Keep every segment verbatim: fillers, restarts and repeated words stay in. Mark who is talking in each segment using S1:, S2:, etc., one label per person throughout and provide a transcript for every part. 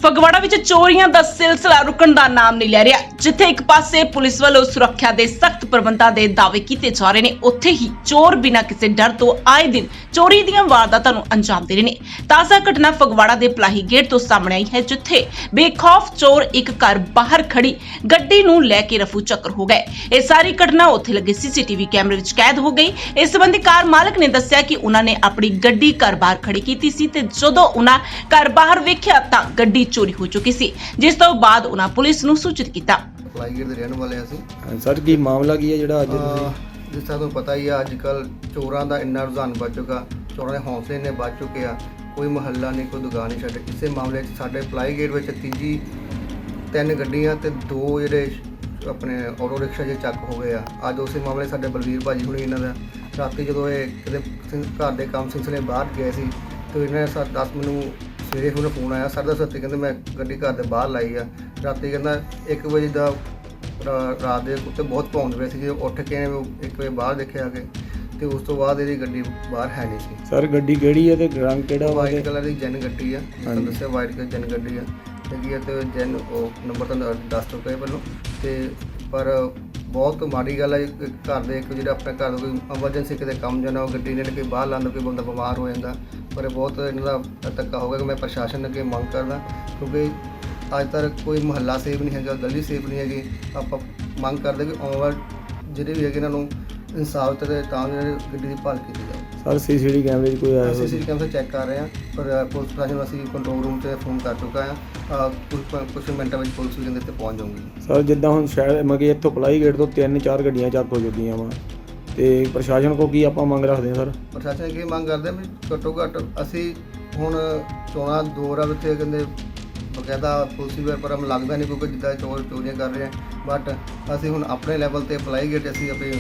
S1: ਫਗਵਾੜਾ ਵਿੱਚ ਚੋਰੀਆਂ ਦਾ ਸਿਲਸਿਲਾ ਰੁਕਣ ਦਾ ਨਾਮ ਨਹੀਂ ਲੈ ਰਿਹਾ। ਜਿੱਥੇ ਇੱਕ ਪਾਸੇ ਪੁਲਿਸ ਵੱਲੋਂ ਸੁਰੱਖਿਆ ਦੇ ਸਖਤ ਪ੍ਰਬੰਧਾਂ ਦੇ ਦਾਅਵੇ ਕੀਤੇ ਜਾ ਰਹੇ ਨੇ, ਉੱਥੇ ਹੀ ਚੋਰ ਬਿਨਾਂ ਕਿਸੇ ਡਰ ਤੋਂ ਆਏ ਦਿਨ ਚੋਰੀ ਦੀਆਂ ਵਾਰਦਾਤਾਂ ਨੂੰ ਅੰਜਾਮ ਦੇ ਰਹੇ ਨੇ। ਤਾਜ਼ਾ ਘਟਨਾ ਫਗਵਾੜਾ ਦੇ ਪਲਾਹੀ ਗੇਟ ਤੋਂ ਸਾਹਮਣੇ ਆਈ ਹੈ, ਜਿੱਥੇ ਬੇਖੌਫ ਚੋਰ ਇੱਕ ਘਰ ਬਾਹਰ ਖੜੀ ਗੱਡੀ ਨੂੰ ਲੈ ਕੇ ਰਫੂ ਚੱਕਰ ਹੋ ਗਏ। ਇਹ ਸਾਰੀ ਘਟਨਾ ਉੱਥੇ ਲੱਗੇ ਸੀਸੀਟੀਵੀ ਕੈਮਰੇ ਵਿੱਚ ਕੈਦ ਹੋ ਗਈ। ਇਸ ਸੰਬੰਧੀ ਕਾਰ ਮਾਲਕ ਨੇ ਦੱਸਿਆ ਕਿ ਉਹਨਾਂ ਨੇ ਆਪਣੀ ਗੱਡੀ ਘਰ ਬਾਹਰ ਖੜੀ ਕੀਤੀ ਸੀ ਤੇ ਜਦੋਂ ਉਹਨਾਂ ਘਰ ਬਾਹਰ ਵੇਖਿਆ ਤਾਂ ਗੱਡੀ ਚੋਰੀ ਹੋ ਚੁੱਕੀ ਸੀ, ਜਿਸ ਤੋਂ ਬਾਅਦ ਉਹਨਾਂ ਪੁਲਿਸ ਨੂੰ ਸੂਚਿਤ ਕੀਤਾ।
S2: ਪਲਾਈ ਗੇਟ ਦੇ ਰਹਿਣ ਵਾਲੇ ਅਸੀਂ।
S3: ਸਰ ਕੀ ਮਾਮਲਾ ਕੀ ਹੈ ਜਿਹੜਾ ਅੱਜ ਤੁਸੀਂ
S2: ਜਿਸ ਤਰ੍ਹਾਂ ਤੁਹਾਨੂੰ ਪਤਾ ਹੀ ਆ, ਅੱਜ ਕੱਲ ਚੋਰਾਂ ਦਾ ਇੰਨਾ ਰੁਝਾਨ ਵੱਧ ਚੁੱਕਾ, ਚੋਰਾਂ ਦੇ ਹੌਸਲੇ ਇੰਨੇ ਵੱਧ ਚੁੱਕੇ ਆ, ਕੋਈ ਮੁਹੱਲਾ ਨਹੀਂ, ਕੋਈ ਦੁਕਾਨ ਨਹੀਂ ਛੱਡੇ। ਇਸੇ ਮਾਮਲੇ 'ਚ ਸਾਡੇ ਪਲਾਈ ਗੇਟ ਵਿੱਚ ਤੀਜੀ ਤਿੰਨ ਗੱਡੀਆਂ ਤੇ ਦੋ ਜਿਹੜੇ ਆਪਣੇ ਆਟੋ ਰਿਕਸ਼ਾ ਜੇ ਚੱਕ ਹੋ ਗਏ ਆ। ਅੱਜ ਉਸੇ ਮਾਮਲੇ ਸਾਡੇ ਬਲਵੀਰ ਭਾਜੀ ਹੁਣੀ ਇਹਨਾਂ ਦਾ ਰਾਤੀ ਜਦੋਂ ਇਹ ਕਿਤੇ ਘਰ ਦੇ ਕੰਮ ਸਿਲਸਿਲੇ ਬਾਹਰ ਗਏ ਸੀ ਤੇ ਇਹਨਾਂ ਨੇ ਦਸ ਮੈਨੂੰ ਸਵੇਰੇ ਹੁਣ ਫੋਨ ਆਇਆ ਸਾਢੇ ਦਸ ਵਜੇ, ਕਹਿੰਦੇ ਮੈਂ ਗੱਡੀ ਘਰ ਦੇ ਬਾਹਰ ਲਾਈ ਆ। ਰਾਤੀ ਕਹਿੰਦਾ ਇੱਕ ਵਜੇ ਦਾ ਰਾਤ ਦੇ ਕੁੱਤੇ ਬਹੁਤ ਭੌਂਕਦੇ ਪਏ ਸੀ। ਜਦੋਂ ਉੱਠ ਕੇ ਇੱਕ ਵਜੇ ਬਾਹਰ ਦੇਖਿਆ ਕਿ ਤੇ ਉਸ ਤੋਂ ਬਾਅਦ ਇਹਦੀ ਗੱਡੀ ਬਾਹਰ ਹੈ ਨਹੀਂ ਸੀ।
S3: ਸਰ ਗੱਡੀ ਕਿਹੜੀ ਹੈ ਤੇ ਰੰਗ ਕਿਹੜਾ?
S2: ਵਾਈਟ ਕਲਰ ਦੀ ਜੈਨ ਗੱਡੀ ਆ, ਤੁਹਾਨੂੰ ਦੱਸਿਆ ਵਾਈਟ ਕਲਰ ਜੈਨ ਗੱਡੀ ਆ ਹੈਗੀ ਆ ਤੇ ਜੈਨ ਉਹ ਨੰਬਰ ਤਾਂ ਦੱਸ ਚੁੱਕਾ ਪਹਿਲਾਂ ਤੇ ਪਰ ਬਹੁਤ ਮਾੜੀ ਗੱਲ ਹੈ। ਘਰ ਦੇ ਇੱਕ ਜਿਹੜਾ ਆਪਣੇ ਘਰ ਦਾ ਕੋਈ ਐਮਰਜੈਂਸੀ ਕਿਤੇ ਕੰਮ ਜਾਣਾ, ਉਹ ਗੱਡੀ ਨੇ ਕਿ ਬਾਹਰ ਲਾਉਂਦਾ, ਕੋਈ ਬੰਦਾ ਬਿਮਾਰ ਹੋ ਜਾਂਦਾ। ਪਰ ਬਹੁਤ ਇਹਨਾਂ ਦਾ ਧੱਕਾ ਹੋ ਗਿਆ ਕਿ ਮੈਂ ਪ੍ਰਸ਼ਾਸਨ ਅੱਗੇ ਮੰਗ ਕਰਦਾ, ਕਿਉਂਕਿ ਅੱਜ ਤੱਕ ਕੋਈ ਮੁਹੱਲਾ ਸੇਫ ਨਹੀਂ ਹੈਗਾ, ਗਲੀ ਸੇਫ ਨਹੀਂ ਹੈਗੀ। ਆਪਾਂ ਮੰਗ ਕਰਦੇ ਕਿ ਆਉਣ ਵਾਲੇ ਜਿਹੜੇ ਵੀ ਹੈਗੇ ਇਹਨਾਂ ਨੂੰ ਇਨਸਾਫ ਤੇ ਤਾਂ ਗੱਡੀ ਦੀ ਭਾਲ ਕੀਤੀ ਜਾਵੇ।
S3: ਸਰ ਸੀਸੀਟੀਵੀ ਕੈਮਰੇ 'ਚ ਕੋਈ ਆਇਆ?
S2: ਸੀਸੀਟੀਵੀ ਕੈਮਰੇ ਚੈੱਕ ਕਰ ਰਹੇ ਹਾਂ, ਪਰ ਪੁਲਿਸ ਪ੍ਰਸ਼ਾਸਨ ਨੂੰ ਅਸੀਂ ਕੰਟਰੋਲ ਰੂਮ 'ਤੇ ਫੋਨ ਕਰ ਚੁੱਕਾ ਹਾਂ। ਕੁਝ ਕੁਝ ਮਿੰਟਾਂ ਵਿੱਚ ਪੁਲਿਸ ਵੀ ਕਹਿੰਦੇ ਤੇ ਪਹੁੰਚ ਜਾਊਗੀ।
S3: ਸਰ ਜਿੱਦਾਂ ਹੁਣ ਸ਼ਹਿਰ ਮਗੇ ਇੱਥੋਂ ਪਲਾਈ ਗੇਟ ਤੋਂ ਤਿੰਨ ਚਾਰ ਗੱਡੀਆਂ ਚੱਕ ਹੋ ਚੁੱਕੀਆਂ ਵਾ ਤੇ ਪ੍ਰਸ਼ਾਸਨ ਕੋਲ ਕੀ ਆਪਾਂ ਮੰਗ ਰੱਖਦੇ ਹਾਂ ਸਰ?
S2: ਪ੍ਰਸ਼ਾਸਨ ਕੀ ਮੰਗ ਕਰਦੇ ਵੀ ਘੱਟੋ ਘੱਟ ਅਸੀਂ ਹੁਣ ਚੋਣਾਂ ਦੌਰ ਆ ਵਿੱਚ ਕਹਿੰਦੇ ਬਕਾਇਦਾ ਪੁਲਿਸ ਵੀ ਪਰ ਮੈਨੂੰ ਲੱਗਦਾ ਨਹੀਂ ਕਿਉਂਕਿ ਜਿੱਦਾਂ ਚੋਰ ਚੋਰੀਆਂ ਕਰ ਰਹੇ ਆ। ਬਟ ਅਸੀਂ ਹੁਣ ਆਪਣੇ ਲੈਵਲ 'ਤੇ ਪਲਾਈ ਗੇਟ ਅਸੀਂ ਆਪਣੇ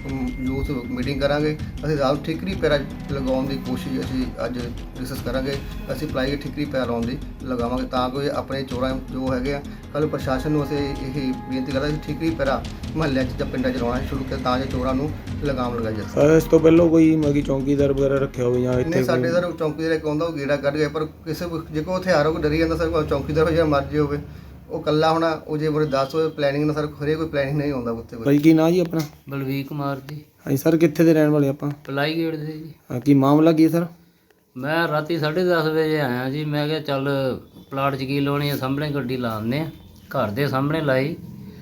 S2: ਯੂਥ ਮੀਟਿੰਗ ਕਰਾਂਗੇ। ਅਸੀਂ ਰਾਤ ਠੀਕਰੀ ਪੈਰਾ ਲਗਾਉਣ ਦੀ ਕੋਸ਼ਿਸ਼ ਅਸੀਂ ਅੱਜ ਡਿਸਕਸ ਕਰਾਂਗੇ। ਅਸੀਂ ਪਲਾਈ ਗੇਟ ਠੀਕਰੀ ਪੈਰਾ ਲਾਉਣ ਦੀ ਲਗਾਵਾਂਗੇ ਤਾਂ ਕਿ ਆਪਣੇ ਚੋਰਾਂ ਜੋ ਹੈਗੇ ਆ ਕੱਲ੍ਹ ਪ੍ਰਸ਼ਾਸਨ ਨੂੰ ਅਸੀਂ ਇਹ ਬੇਨਤੀ ਕਰਦਾ ਕਿ ਠੀਕਰੀ ਪੈਰਾ ਮੁਹੱਲਿਆਂ 'ਚ ਜਾਂ ਪਿੰਡਾਂ 'ਚ ਲਾਉਣਾ ਸ਼ੁਰੂ ਕਰ ਤਾਂ ਜੋ ਚੋਰਾਂ ਨੂੰ ਲਗਾਮ ਲਗਾਈ ਜਾ ਸਕੇ।
S3: ਸਰ ਇਸ ਤੋਂ ਪਹਿਲਾਂ ਕੋਈ ਮਗੀ ਚੌਂਕੀਦਾਰ ਵਗੈਰਾ ਰੱਖਿਆ ਹੋਵੇ ਜਾਂ ਇੱਥੇ?
S2: ਨਹੀਂ, ਸਾਡੇ ਸਰ ਚੌਂਕੀਦਾਰ ਇੱਕ ਆਉਂਦਾ ਉਹ ਗੇੜਾ ਕੱਢ ਗਿਆ, ਪਰ ਕਿਸੇ ਜੇ ਕੋਈ ਹਥਿਆਰ ਹੋ ਡਰੀ ਜਾਂਦਾ ਸਰ ਚੌਂਕੀਦਾਰ ਹੋ ਜਾਂ ਮਰਜ਼ੀ ਹੋਵੇ ਉਹ ਕੱਲਾ ਹੋਣਾ ਉਹ ਜੇ ਬੜੇ ਦਸ ਹੋਏ ਪਲੈਨਿੰਗ ਨਾਲ ਸਰ ਖਰੇ ਕੋਈ ਪਲੈਨਿੰਗ ਨਹੀਂ ਆਉਂਦਾ ਉੱਥੇ।
S3: ਭਾਈ ਕੀ ਨਾਂ ਜੀ ਆਪਣਾ?
S4: ਬਲਵੀਰ ਕੁਮਾਰ ਜੀ।
S3: ਹਾਂਜੀ ਸਰ ਕਿੱਥੇ ਦੇ ਰਹਿਣ ਵਾਲੇ ਆਪਾਂ?
S4: ਪਲਾਈ ਗੇਟ ਦੇ ਜੀ।
S3: ਹਾਂ ਕੀ ਮਾਮਲਾ ਕੀ ਸਰ?
S4: ਮੈਂ ਰਾਤੀ ਸਾਢੇ ਦਸ ਵਜੇ ਆਇਆ ਜੀ। ਮੈਂ ਕਿਹਾ ਚੱਲ ਪਲਾਟ 'ਚ ਕੀ ਲਾਉਣੀ ਆ, ਸਾਹਮਣੇ ਗੱਡੀ ਲਾ ਦਿੰਦੇ ਆ। ਘਰ ਦੇ ਸਾਹਮਣੇ ਲਾਈ।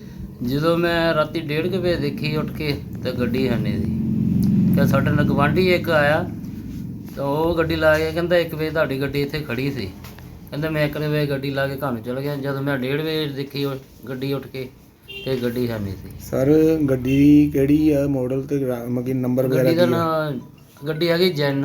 S4: ਜਦੋਂ ਮੈਂ ਰਾਤੀ ਡੇਢ ਕੁ ਵਜੇ ਦੇਖੀ ਉੱਠ ਕੇ ਤਾਂ ਗੱਡੀ ਹੈ ਨਹੀਂ ਸੀ। ਕਿ ਸਾਡੇ ਨਾਲ ਗਵਾਂਢੀ ਇੱਕ ਆਇਆ ਤਾਂ ਉਹ ਗੱਡੀ ਲਾ ਕੇ ਕਹਿੰਦਾ ਇੱਕ ਵਜੇ ਤੁਹਾਡੀ ਗੱਡੀ ਇੱਥੇ ਖੜੀ ਸੀ। ਕਹਿੰਦਾ ਮੈਂ ਇੱਕ ਵਜੇ ਗੱਡੀ ਲਾ ਕੇ ਘਰ ਨੂੰ ਚਲਾ ਗਿਆ। ਜਦੋਂ ਮੈਂ ਡੇਢ ਵਜੇ ਦੇਖੀ ਗੱਡੀ ਉੱਠ ਕੇ ਤੇ ਗੱਡੀ ਹੈ ਨਹੀਂ ਸੀ।
S3: ਸਰ ਗੱਡੀ ਕਿਹੜੀ ਆ ਮਾਡਲ ਤੇ ਮਗੀ ਨੰਬਰ ਵਗੈਰਾ?
S4: ਗੱਡੀ ਦਾ ਨਾਂ ਗੱਡੀ ਹੈਗੀ ਜੈਨ,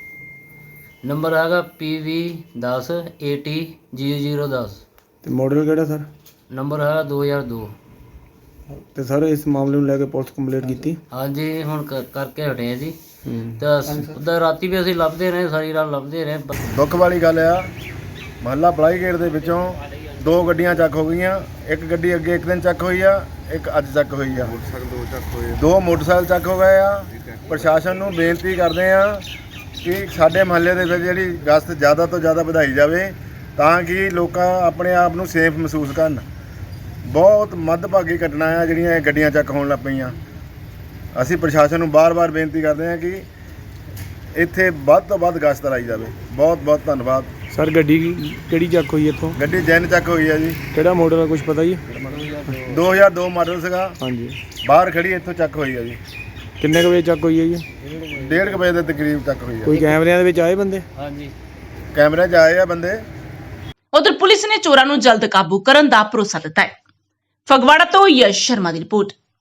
S4: ਨੰਬਰ ਹੈਗਾ ਪੀ ਵੀ ਦਸ ਏ ਟੀ ਜੀਰੋ ਜੀਰੋ ਦਸ
S3: ਤੇ ਮਾਡਲ ਕਿਹੜਾ ਸਰ?
S4: ਨੰਬਰ ਹੈਗਾ ਦੋ ਹਜ਼ਾਰ ਦੋ।
S3: ਤੇ ਸਰ ਇਸ ਮਾਮਲੇ ਨੂੰ ਲੈ ਕੇ ਪੁਲਿਸ ਕੰਪਲੇਂਟ ਕੀਤੀ?
S4: ਹਾਂਜੀ ਹੁਣ ਕ- ਕਰਕੇ ਹਟੇ ਆ ਜੀ। ਤਾਂ ਉੱਦਾਂ ਰਾਤੀ ਵੀ ਅਸੀਂ ਲੱਭਦੇ ਰਹੇ, ਸਾਰੀ ਰਾਤ ਲੱਭਦੇ ਰਹੇ।
S5: ਦੁੱਖ ਵਾਲੀ ਗੱਲ ਆ, ਮਹੱਲਾ ਪਲਾਈ ਗੇਟ ਦੇ ਵਿੱਚੋਂ ਦੋ ਗੱਡੀਆਂ ਚੱਕ ਹੋ ਗਈਆਂ। ਇੱਕ ਗੱਡੀ ਅੱਗੇ ਇੱਕ ਦਿਨ ਚੱਕ ਹੋਈ ਆ, ਇੱਕ ਅੱਜ ਚੱਕ ਹੋਈ ਆ। ਦੋ ਚੱਕ ਹੋਏ ਦੋ ਮੋਟਰਸਾਈਕਲ ਚੱਕ ਹੋ ਗਏ ਆ। ਪ੍ਰਸ਼ਾਸਨ ਨੂੰ ਬੇਨਤੀ ਕਰਦੇ ਆ ਕਿ ਸਾਡੇ ਮਹੱਲੇ ਦੇ ਵਿੱਚ ਜਿਹੜੀ ਗਸ਼ਤ ਜ਼ਿਆਦਾ ਤੋਂ ਜ਼ਿਆਦਾ ਵਧਾਈ ਜਾਵੇ ਤਾਂ ਕਿ ਲੋਕ ਆਪਣੇ ਆਪ ਨੂੰ ਸੇਫ ਮਹਿਸੂਸ ਕਰਨ। ਬਹੁਤ ਮੱਧਭਾਗੀ ਘਟਨਾ ਆ ਜਿਹੜੀਆਂ ਇਹ ਗੱਡੀਆਂ ਚੱਕ ਹੋਣ ਲੱਗ ਪਈਆਂ। ਅਸੀਂ ਪ੍ਰਸ਼ਾਸਨ ਨੂੰ ਬਾਰ-ਬਾਰ ਬੇਨਤੀ ਕਰਦੇ ਹਾਂ ਕਿ ਇੱਥੇ ਵੱਧ ਤੋਂ ਵੱਧ ਗਸ਼ਤ ਲਾਈ ਜਾਵੇ। ਬਹੁਤ ਬਹੁਤ ਧੰਨਵਾਦ।
S3: ਸਰ ਗੱਡੀ ਕਿਹੜੀ ਚੱਕ ਹੋਈ ਇੱਥੋਂ?
S5: ਗੱਡੀ ਜੈਨ ਚੱਕ ਹੋਈ ਆ ਜੀ।
S3: ਕਿਹੜਾ ਮਾਡਲ ਆ ਕੁਝ ਪਤਾ ਜੀ?
S5: ਦੋ ਹਜ਼ਾਰ ਦੋ ਮਾਡਲ ਸੀਗਾ।
S3: ਹਾਂਜੀ
S5: ਬਾਹਰ ਖੜੀ ਇੱਥੋਂ ਚੱਕ ਹੋਈ ਆ ਜੀ।
S3: ਕਿੰਨੇ ਕੁ ਵਜੇ ਚੱਕ ਹੋਈ ਹੈ ਜੀ?
S5: ਡੇਢ ਕੁ ਵਜੇ ਦੇ ਤਕਰੀਬ ਚੱਕ ਹੋਈ ਆ।
S3: ਕੋਈ ਕੈਮਰਿਆਂ ਦੇ ਵਿੱਚ ਆਏ ਬੰਦੇ?
S4: ਹਾਂਜੀ
S5: ਕੈਮਰੇ 'ਚ ਆਏ ਆ ਬੰਦੇ।
S1: ਉਧਰ ਪੁਲਿਸ ਨੇ ਚੋਰਾਂ ਨੂੰ ਜਲਦ ਕਾਬੂ ਕਰਨ ਦਾ ਭਰੋਸਾ ਦਿੱਤਾ ਹੈ। ਫਗਵਾੜਾ ਤੋਂ ਯਸ਼ ਸ਼ਰਮਾ ਦੀ ਰਿਪੋਰਟ।